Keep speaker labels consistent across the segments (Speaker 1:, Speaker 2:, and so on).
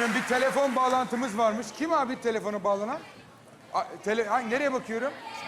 Speaker 1: ediyorum. Bir telefon bağlantımız varmış. Kim abi telefona bağlanan? Nereye bakıyorum?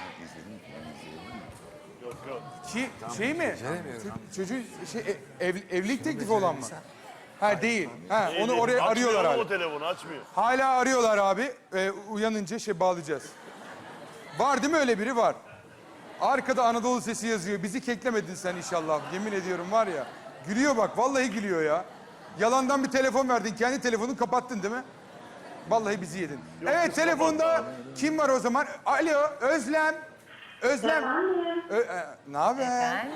Speaker 2: Yok yok.
Speaker 1: Şey mi? Çocuğun evlilik teklifi olan mı? Ha değil. Ha onu oraya arıyorlar
Speaker 2: Açmıyor
Speaker 1: abi.
Speaker 2: o telefonu açmıyor.
Speaker 1: Hala arıyorlar abi. Uyanınca bağlayacağız. Var değil mi öyle biri? Var. Arkada Anadolu Sesi yazıyor. Bizi keklemedin sen inşallah. Yemin ediyorum var ya. Gülüyor bak. Vallahi gülüyor ya. Yalandan bir telefon verdin. Kendi telefonunu kapattın değil mi? Vallahi bizi yedin.
Speaker 2: Yok,
Speaker 1: evet
Speaker 2: biz
Speaker 1: telefonda
Speaker 2: kapatmadık.
Speaker 1: kim var o zaman? Alo Özlem. Özlem. Ne haber?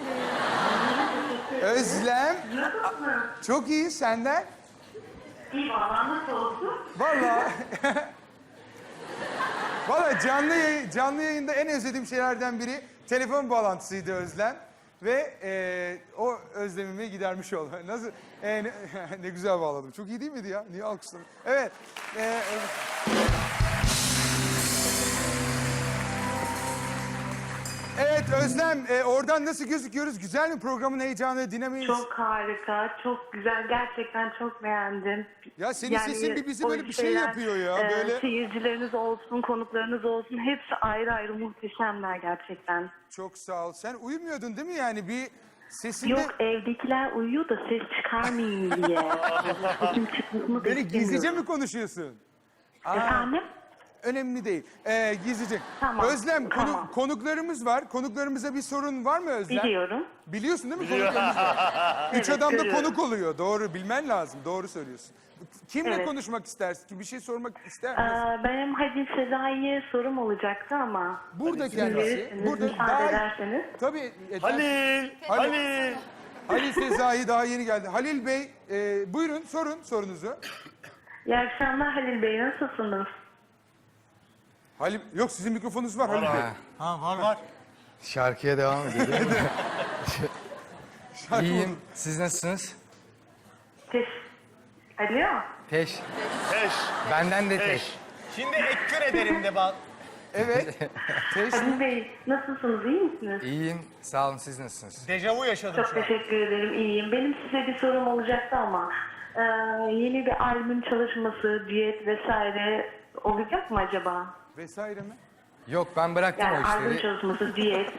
Speaker 1: Özlem. Çok iyi senden.
Speaker 3: İyi valla nasıl olsun?
Speaker 1: Vallahi. Vallahi canlı yayında en özlediğim şeylerden biri telefon bağlantısıydı Özlem. Ve o özlemimi gidermiş oldu. Nasıl? Ne güzel bağladım. Çok iyi değil miydi ya? Niye alkışladın? Evet. Evet Özlem, oradan nasıl gözüküyoruz? Güzel mi programın heyecanı, dinamiği?
Speaker 3: Çok harika, çok güzel. Gerçekten çok beğendim.
Speaker 1: Ya senin sesin bir bizi
Speaker 3: o
Speaker 1: böyle bir şey
Speaker 3: şeyler,
Speaker 1: yapıyor ya. Böyle
Speaker 3: Seyircileriniz olsun, konuklarınız olsun. Hepsi ayrı ayrı muhteşemler gerçekten.
Speaker 1: çok sağ ol. Sen uyumuyordun değil mi yani? Bir sesinde...
Speaker 3: Yok evdekiler uyuyor da ses çıkarmayayım diye. Sesim çıkmasını da
Speaker 1: Böyle gizlice
Speaker 3: istemiyorum.
Speaker 1: mi konuşuyorsun?
Speaker 3: Efendim?
Speaker 1: Önemli değil. Gizlice.
Speaker 3: Tamam,
Speaker 1: Özlem,
Speaker 3: tamam.
Speaker 1: konuklarımız var. Konuklarımıza bir sorun var mı Özlem?
Speaker 3: Biliyorum.
Speaker 1: Biliyorsun değil mi konuklarımız var? Üç
Speaker 3: Evet,
Speaker 1: adam da
Speaker 3: görüyorum.
Speaker 1: konuk oluyor. Doğru, bilmen lazım. Doğru söylüyorsun. Kimle
Speaker 3: Evet.
Speaker 1: konuşmak istersin ki? Bir şey sormak ister misin?
Speaker 3: Benim Halil Sezai'ye sorum olacaktı ama.
Speaker 1: Burada
Speaker 3: İzin
Speaker 1: kendisi.
Speaker 3: verirseniz,
Speaker 1: Burada
Speaker 3: müsaade ederseniz.
Speaker 1: Tabii.
Speaker 2: Halil.
Speaker 1: Halil Sezai daha yeni geldi. Halil Bey, buyurun sorun sorunuzu.
Speaker 3: İyi akşamlar Halil Bey, nasılsınız?
Speaker 1: Halil, yok sizin mikrofonunuz var Halil Bey.
Speaker 4: Ha var.
Speaker 5: Şarkıya devam edelim.
Speaker 1: Şarkı
Speaker 5: İyiyim. Siz nasılsınız?
Speaker 3: Alo?
Speaker 5: Teş.
Speaker 2: Teş.
Speaker 5: Benden de teş.
Speaker 2: Teş.
Speaker 4: Şimdi ekkür ederim de bak.
Speaker 1: Evet.
Speaker 3: Halil Bey, nasılsınız, iyi misiniz?
Speaker 5: İyiyim. Sağ olun. Siz nasılsınız?
Speaker 4: Dejavu yaşadım
Speaker 3: Çok
Speaker 4: şu an.
Speaker 3: teşekkür ederim, iyiyim. Benim size bir sorum olacaktı ama... yeni bir albüm çalışması, düet vesaire olacak mı acaba?
Speaker 1: Vesaire mi?
Speaker 5: Yok ben bıraktım
Speaker 3: Yani
Speaker 5: o
Speaker 3: albüm
Speaker 5: işleri.
Speaker 3: çalışması, düet.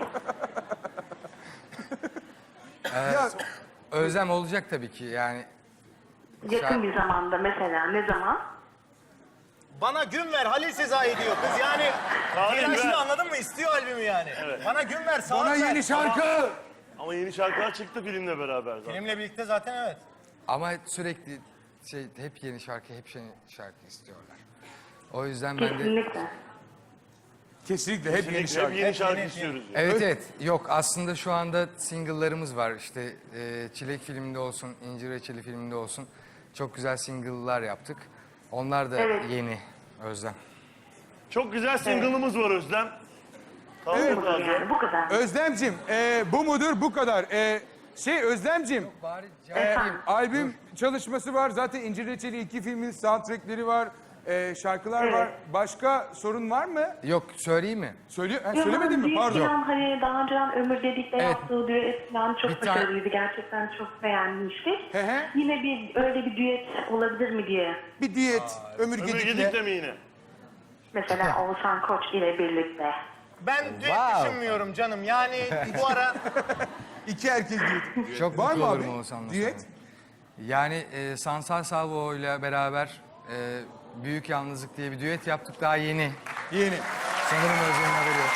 Speaker 1: Ya
Speaker 5: Özlem olacak tabii ki yani.
Speaker 3: Yakın bir zamanda mesela, ne zaman?
Speaker 4: Bana gün ver Halil Sezai diyor kız yani.
Speaker 2: Tarih
Speaker 4: Telaşlı
Speaker 2: ver.
Speaker 4: anladın mı? İstiyor albümü yani. Bana gün ver, saat
Speaker 1: bana
Speaker 4: ver.
Speaker 1: yeni şarkı.
Speaker 2: Ama yeni şarkılar çıktı filmle beraber zaten.
Speaker 4: Filmle birlikte zaten evet.
Speaker 5: Ama sürekli hep yeni şarkı, hep yeni şarkı istiyorlar. O yüzden ben de...
Speaker 3: Kesinlikle.
Speaker 1: Kesinlikle hep yeni şarkı.
Speaker 2: Hep yeni şarkı istiyoruz. ya.
Speaker 5: Evet evet. Yok aslında şu anda single'larımız var. İşte Çilek filminde olsun, İncir Reçeli filminde olsun. Çok güzel single'lar yaptık. Onlar da
Speaker 3: Evet.
Speaker 5: yeni Özlem.
Speaker 2: Çok güzel single'ımız var Özlem.
Speaker 1: Evet.
Speaker 2: Kaldır lazım.
Speaker 3: Yani bu kadar.
Speaker 1: Özlemcim, bu mudur bu kadar. Özlemcim,
Speaker 5: Bari
Speaker 1: albüm çalışması var. Zaten İncir Reçeli 2 filmin soundtrackleri var. Şarkılar
Speaker 3: Evet.
Speaker 1: var. Başka sorun var mı?
Speaker 5: Yok söyleyeyim mi?
Speaker 1: Söylemedin mi? Pardon.
Speaker 3: Falan, hani daha önceden Ömür Dedik'le
Speaker 5: Evet.
Speaker 3: yaptığı düet falan çok
Speaker 5: Bir tane-
Speaker 3: başarılıydı. Gerçekten çok beğenmiştik.
Speaker 1: Hı hı.
Speaker 3: Yine öyle bir düet olabilir mi diye.
Speaker 1: Bir diyet, Ömür
Speaker 2: Ömür
Speaker 1: Gedik'le.
Speaker 2: Gedik'le mi yine?
Speaker 3: Mesela Oğuzhan Koç ile birlikte.
Speaker 4: Ben düet düşünmüyorum canım. Yani bu ara
Speaker 1: İki erkek diyeti.
Speaker 5: Çok
Speaker 1: Var
Speaker 5: mutlu
Speaker 1: mı
Speaker 5: olurum
Speaker 1: abi?
Speaker 5: Oğuzhan'la
Speaker 1: Diyet?
Speaker 5: sonra. Yani Sansar Salvo ile beraber Büyük Yalnızlık diye bir düet yaptık daha yeni.
Speaker 1: Yeni.
Speaker 5: Sanırım Özlem'in haberi yok.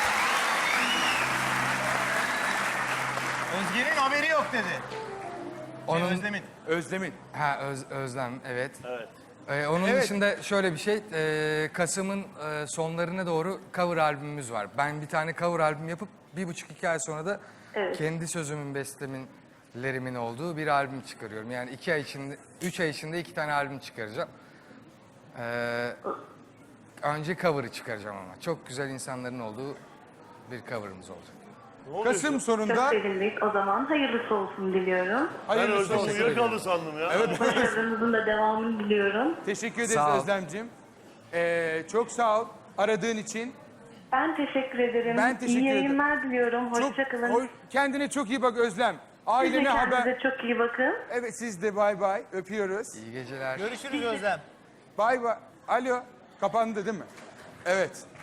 Speaker 4: Özge'nin haberi yok dedi.
Speaker 5: Onun,
Speaker 4: Özlem'in.
Speaker 1: Özlem'in.
Speaker 5: Ha Özlem evet.
Speaker 2: Evet.
Speaker 5: Onun
Speaker 1: Evet.
Speaker 5: dışında şöyle bir şey, Kasım'ın sonlarına doğru cover albümümüz var. Ben bir tane cover albüm yapıp 1,5-2 ay sonra da
Speaker 3: Evet.
Speaker 5: kendi sözümün, bestelerimin olduğu bir albüm çıkarıyorum. Yani 2 ay içinde, 3 ay içinde 2 tane albüm çıkaracağım. Önce cover'ı çıkaracağım ama. Çok güzel insanların olduğu bir cover'ımız olacak.
Speaker 2: Ne oluyor
Speaker 1: Kasım
Speaker 2: ya?
Speaker 3: Çok
Speaker 1: sonunda
Speaker 3: sevindik. O zaman hayırlısı olsun diliyorum.
Speaker 2: Ben
Speaker 1: hayırlısı
Speaker 2: Özlem
Speaker 1: olsun.
Speaker 2: uyuyakaldı sandım ya. Evet.
Speaker 3: Başarınızın da devamını diliyorum.
Speaker 1: Teşekkür ederiz
Speaker 5: Sağ ol.
Speaker 1: Özlem'cim. Çok sağ ol aradığın için.
Speaker 3: Ben teşekkür ederim.
Speaker 1: Ben teşekkür
Speaker 3: İyi
Speaker 1: ederim.
Speaker 3: yayınlar diliyorum. Hoşça kalın.
Speaker 1: Kendine çok iyi bak Özlem. Ailene
Speaker 3: kendinize
Speaker 1: haber...
Speaker 3: çok iyi bakın.
Speaker 1: Evet siz de bay bay. Öpüyoruz.
Speaker 5: İyi geceler.
Speaker 4: Görüşürüz Özlem.
Speaker 1: Bay bay. Alo. Kapandı değil mi? Evet.